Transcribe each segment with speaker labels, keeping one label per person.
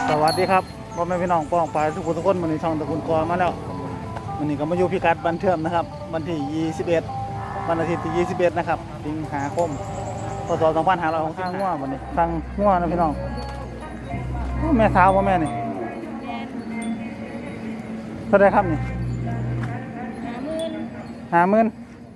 Speaker 1: สวัสดีครับพ่อแม่พี่น้องป้องปลายทุกคนวันนี้ช่องตะกุนกอมาแล้ววันนี้ก็มาอยู่พิกัดบันเทิงนะครับวันที่21วันอาทิตย์ที่21นะครับสิงหาคมพศ2565ง่ววันนี้ฟังง่วนะพี่น้องแม่สาวว่าแม่นี่เท่าไรครับนี่50,000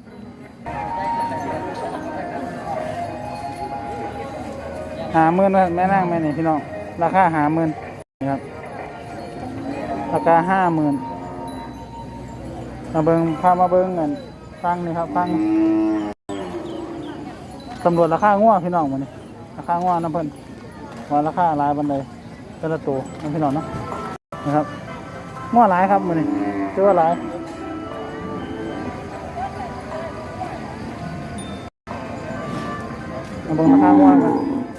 Speaker 1: แม่นั่งแม่นี่พี่น้องราคา50,000นี่ครับราคา50,000มาเบิ้งพามาเบิ้งเงินฟังนี่ครับฟังตำรวจราคาง่วพี่น้องวันนี้ราคาง่วน้ำเพิ่นว่าราคาหลายบันไดแต่ละตัวน้ำพี่น้องเนาะนะครับง่วหลายครับวันนี้เชื่อว่าหลายมาเบิ้งราคาง่วกัน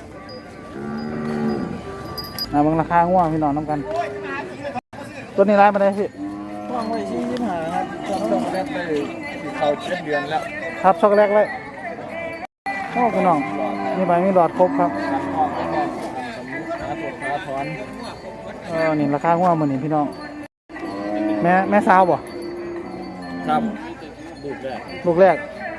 Speaker 1: บางราคาง่วงพี่น้องน้ำกันตัวนี้ร้ายมาได้พี่
Speaker 2: ว่างไว้25ครับช็อกโกแลตได้เข้า7 เดือนแล้ว
Speaker 1: ครับช็อกโกแลตเลยโอ้พี่น้องมีใบมีหลอดครบครับ
Speaker 2: ขาถอน
Speaker 1: นี่ราคาง่วงเหมือนนี่พี่น้องแม่สาวบ่
Speaker 2: ครับ
Speaker 1: ลูกแรก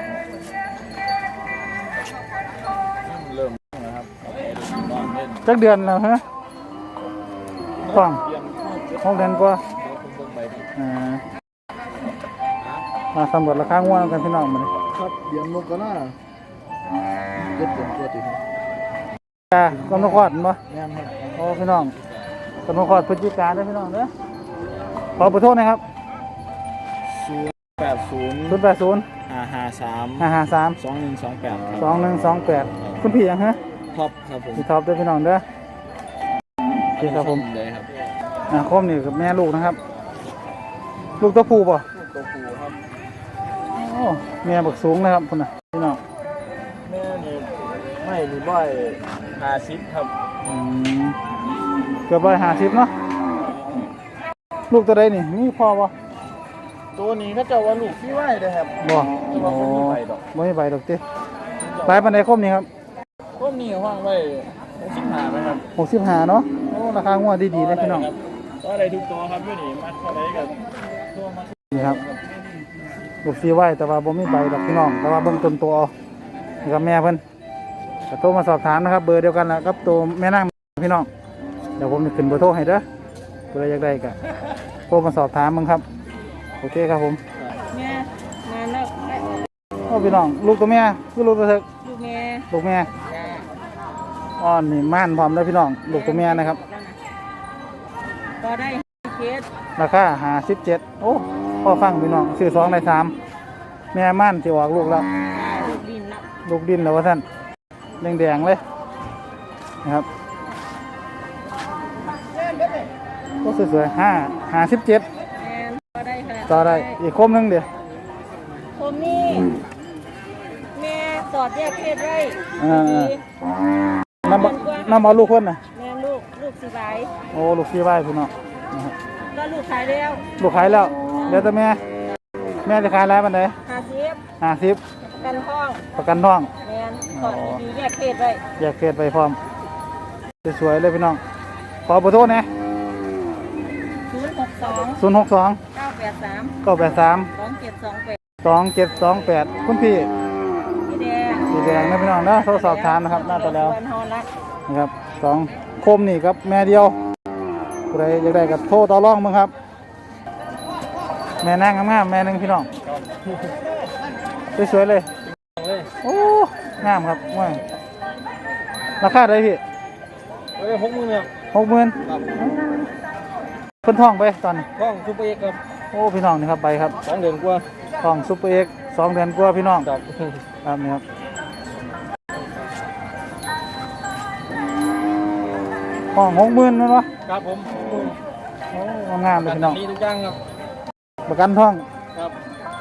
Speaker 2: เริ่มนะครับ
Speaker 1: จักเดือนแล้วฮะต้อง6 เดือนกว่ามาสำรวจราคาง่วงกันพี่น้องมาเลย
Speaker 2: ครับเดือนมกรา7 เดือนตัวติด
Speaker 1: กำลังคลอดมั้ย
Speaker 2: แม่นครับ
Speaker 1: โอ้พี่น้องกำลังคลอดพฤศจิกายนได้พี่น้องเด้อขอขอโทษนะครับ
Speaker 2: 080 553
Speaker 1: 2128คุณพี่ยังฮะ
Speaker 2: ท็อปครับผม
Speaker 1: พี่ท็อปด้วยพี่น้องเด้อพี่ครับผมคมนี่กับแม่ลูกนะครับลูกตัวผู้ป่ะ
Speaker 2: ตัวผู้ครับ
Speaker 1: โอ้แม่บักสูงนะครับคุณน่ะพี่น้อง
Speaker 2: แม่นี่ไม่มีบ่อย50ครับ
Speaker 1: เกือบ150เนาะลูกตัวใดนี่มีพ่อป่ะ
Speaker 2: ตัวนี้ก็จะว่าลูกที่ไหวเลยครับ
Speaker 1: บ่
Speaker 2: บ่มีใบดอก
Speaker 1: บ่มีใบดอกติปลายปานใดคมนี่ครับ
Speaker 2: คมนี่ว่างไว้65นะครับ
Speaker 1: 65เนาะโอ้ราคางัวดีๆเลยพี่น้อง
Speaker 2: ก็ได้ทุกตัวครับอยู่นี่มัดเท่าไรกับตัวมัด
Speaker 1: นี่ครับลูกซีไว้แต่ว่าบ่มีใบดอกพี่น้องแต่ว่าเบิ่งต้นตัวเอานี่ครับแม่เพิ่นก็โทรมาสอบถามนะครับเบอร์เดียวกันแหละครับตัวแม่นางพี่น้องเดี๋ยวผมจะขึ้นเบอร์โทรให้เด้อเผื่ออยากได้ก็โทรมาสอบถามมึงครับโอเคครับผม
Speaker 3: แม่มาแล้ว
Speaker 1: โอ้พี่น้องลูกตัวแม่คือลูกตัวเถิก
Speaker 3: ลูกแม่
Speaker 1: อ้อนนี่ม่านพร้อมแล้วพี่น้องลูกตัวแม่นะครับ
Speaker 3: ก็ได้เคส
Speaker 1: ราคา57โอ้พ่อฟังพี่น้องซื้อ2ได้3แม่ม่านสิออกลูกแล้วลูกดินแล้วว่าท่านแดงๆเลยนะครับก็สวยๆ57ต่อได้อีกคมนึงเดี๋ยว
Speaker 3: คมนี่แม่สอดแยกเพศไว้
Speaker 1: น้ำเอาลูกคนน่ะ
Speaker 3: แม่ลูกสีใบ
Speaker 1: โอ้ลูกสีใบพี่น้องนะครับ
Speaker 3: ก็ลูกขายแล้ว
Speaker 1: เดี๋ยวแต่แม่จะขายอะไรบ้างไหน50ประกันท้อง
Speaker 3: แม่สอดดีแยกเพศไว้
Speaker 1: พร้อมสวยๆเลยพี่น้องขอเบอร์โทรนะ062 983 2728คุณพี่แดงนะพี่น้องนะโทรสอบถามนะครับน่าจะแล้วนะครับ2โคมนี่ครับแม่เดียวใครอยากได้กับโทรต่อรองมึงครับแม่นั่งงามๆแม่นึงพี่น้องสวยๆเลยโอ้งามครับว่าราคาได้พี่60,000เพิ่นท่องไปตอนนี้
Speaker 2: ท่องซุปเปอร์เอ็กครับ
Speaker 1: โอ้พี่น้องนี่ครับใบครับ
Speaker 2: 2 เดือนกว่า
Speaker 1: ท่องซุปเปอร์เอ็ก2 เดือนกว่าพี่น้องครับนี่ครับห้อง60,000นั่นวะ
Speaker 2: ครับผม
Speaker 1: โอ้งามเลยพี่น้อง
Speaker 2: มีทุกอย่างครับ
Speaker 1: ประกันท่อง
Speaker 2: ครับ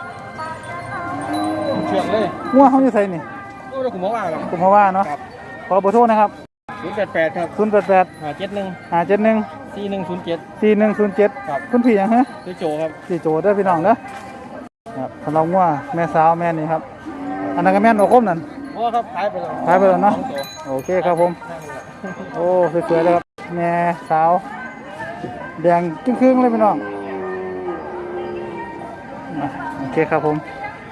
Speaker 2: เชื่องเลย
Speaker 1: งัวเขาอยู่ไสนี่
Speaker 2: โอ้เราคุณหมอว่าครับ
Speaker 1: คุณหมอว่าเนาะขอเบอร์โทรนะครับ
Speaker 2: 088ครับ
Speaker 1: 088
Speaker 2: 571 4107ครับ
Speaker 1: คุณพี่ยังฮะ
Speaker 2: โจครับ
Speaker 1: โจเด้อพี่น้องเด้อครับสำหรับงัวแม่สาวแม่นี่ครับอันนั้นก็แม่นโอคมนั่น
Speaker 2: ครับขายไปแล้ว
Speaker 1: เนาะโอเคครับผมโอ้สวยๆเลยครับแม่สาวแดงจึ้งครึ่งเลยพี่น้องโอเคครับผม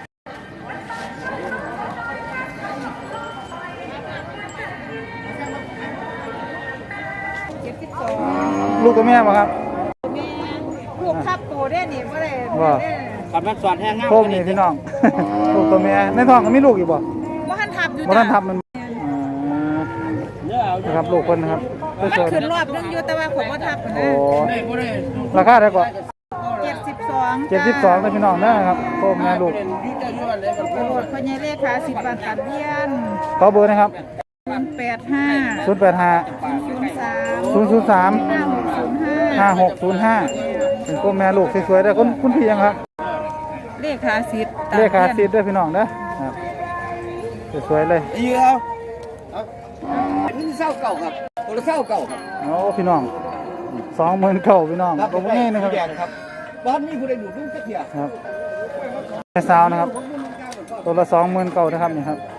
Speaker 1: ลูกกับแม่ป่ะครับ
Speaker 3: แม่ลูกทับโตได้นี่บ่ได้
Speaker 1: ว่า
Speaker 2: ขับรถสอดแห้งเงา
Speaker 1: โคมนี่พี่น้อง ลูกตัวแม่ในท้องก็มีลูกอีกบ่
Speaker 3: บ่ทันทับอยู่
Speaker 1: บ่ทันทับมัน
Speaker 2: เนื้อเอา
Speaker 1: นะครับลูกเพิ่นนะครับ
Speaker 3: มัน
Speaker 1: สวย
Speaker 3: ขึ้นรอบนึงอยู่แต่ว่าผมบ่ทับ
Speaker 1: ๆ
Speaker 3: นะ
Speaker 1: โอ้
Speaker 2: บ่ได้
Speaker 1: ราคาได้กว่า
Speaker 3: 72
Speaker 1: 72นะพี่น้องนะครับโคมแม่ลูก
Speaker 2: อยู่จะอยู่อันไหนกัน
Speaker 3: โปรดพญาเลขา10บาทตัดเบี้ยน
Speaker 1: ขอเบอร์นะครับ
Speaker 3: 085
Speaker 1: 085
Speaker 3: 03
Speaker 1: 003
Speaker 3: 5605
Speaker 1: 5605เป็นโคมแม่ลูกสวยๆได้อคุณพี่ยังครับ
Speaker 3: เลขาสิทธิ์
Speaker 1: เลขาซีดด้วยพี่น้องนะครับสวยๆเลย
Speaker 2: ยืเอานี่เศร้าเก่าครับคนละเศร้าเก่าครับ
Speaker 1: โอ้พี่น้อง29,000พี่น้องตัวนี้นะครับ
Speaker 2: ครับบ้านนี้ผู้ใดดูลูกจะเถีย
Speaker 1: ครับแม่สาวนะครับตัวละ29,000นะครับนี่ครับ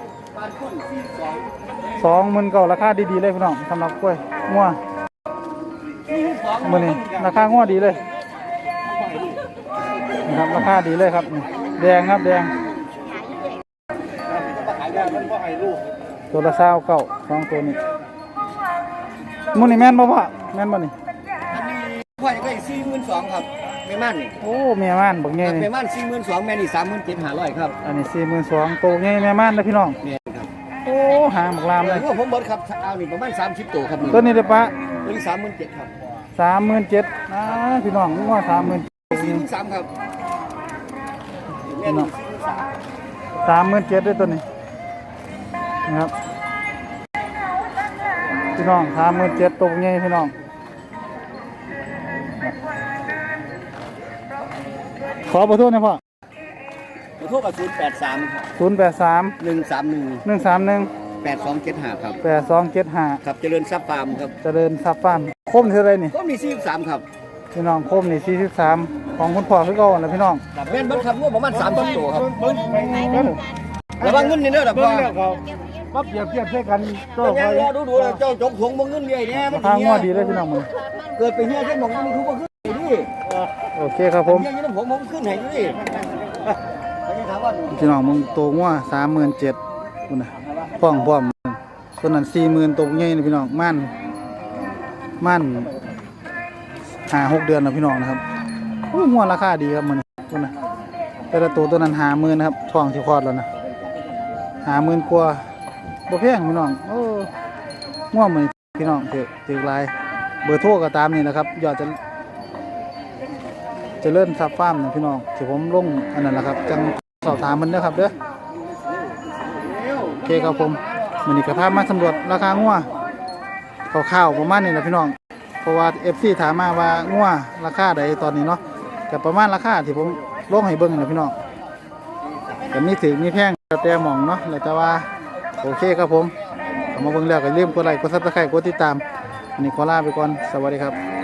Speaker 1: 29,000ราคาดีๆเลยพี่น้องสำหรับกล้วยงัวมื้อนี้ราคางัวดีเลยนะครับราคาดีเลยครับนี่แดงครับแดงตัวละ29,000สองตัวนี้มื้อนี้แม่นบ่พ่อแม่นบ่นี่
Speaker 2: อันนี้พ่อจะได้42,000ครับแม่ม่านนี่
Speaker 1: โอ้แม่ม่านบักใหญ่นี่
Speaker 2: แม่ม่าน42,000แม่นี่37,500ครับ
Speaker 1: อันนี้42,000ตัวใหญ่แม่ม่านนะพี่น้อง
Speaker 2: แม่ครับ
Speaker 1: โอ้หางบักลามเลย
Speaker 2: ว่าผมเบิดครับเอานี่ประมาณ30ตัวครับ
Speaker 1: ตัวนี้เด้อปะ
Speaker 2: ตัวนี้37,000ครับ
Speaker 1: 37,000พี่น้องงัว37,000
Speaker 2: 43ครับแม่นี่
Speaker 1: 37,000ด้วยตัวนี้นะครับพี่น้อง37,000ตัวใหญ่พี่น้องขอเบอร์โทรหน่อยพ่อ
Speaker 2: ขอโทษกับ083ครับ
Speaker 1: 083
Speaker 2: 131
Speaker 1: 131
Speaker 2: 8275ครับ
Speaker 1: 8275
Speaker 2: ครับเจริญทรัพย์ฟาร์มครับ
Speaker 1: เจริญทรัพย์ฟาร์มคมเท่าไรนี่
Speaker 2: ก็มี43ครับ
Speaker 1: พี่น้องคมนี่43ของคุณพ่อคือเก่านะพี่น้อง
Speaker 2: แม่นเบิดครับงวประมาณ30ตัวครับระวังเงินนี่เด้อดับพ่อ
Speaker 1: ปั๊บเปรียบเทียบใช้กัน
Speaker 2: เจ้าพ่อดูๆแล้วเจ้าจกถุงบ่เงินใหญ่แน่มัน
Speaker 1: ทางงัวดีเลยพี่น้องมึง
Speaker 2: เกิดไปเฮียจังหมองมันทุกบ่ขึ้นดิ
Speaker 1: โอเคครับผม
Speaker 2: เฮียนี่ผมขึ้นให้ดิถามว่า
Speaker 1: พี่น้องมึงโตงัว37,000คุณน่ะพร้อมตัวนั้น40,000ตัวใหญ่นี่พี่น้องม่าน5-6 เดือนแล้วพี่น้องนะครับโอ้งัวราคาดีครับมันคุณน่ะแต่ละตัวนั้น50,000นะครับท้องสิคลอดแล้วนะ50,000กว่าบ่แพงพี่น้องโอ้งัวมื้อนี้พี่น้องถือหลายเบอร์โทรก็ตามนี่แหละครับยอดจะเลิ่นซับฟาร์มนะพี่น้องที่ผมลงอันนั้นแหละครับจังสอบถามมันเด้อครับเด้อโอเคครับผมมื้อนี้ก็พามาสำรวจราคางัวคร่าวๆประมาณนี้แหละพี่น้องเพราะว่า FC ถามมาว่างัวราคาใดตอนนี้เนาะก็ประมาณราคาที่ผมลงให้เบิ่งนะพี่น้องก็มีถึงมีแพงแต่หม่องเนาะแล้วแต่ว่าโอเคครับผมเข้ามาเบิ่งแล้วก็อย่าลืมกดไลค์กด Subscribe กดติดตามอันนี้ขอลาไปก่อนสวัสดีครับ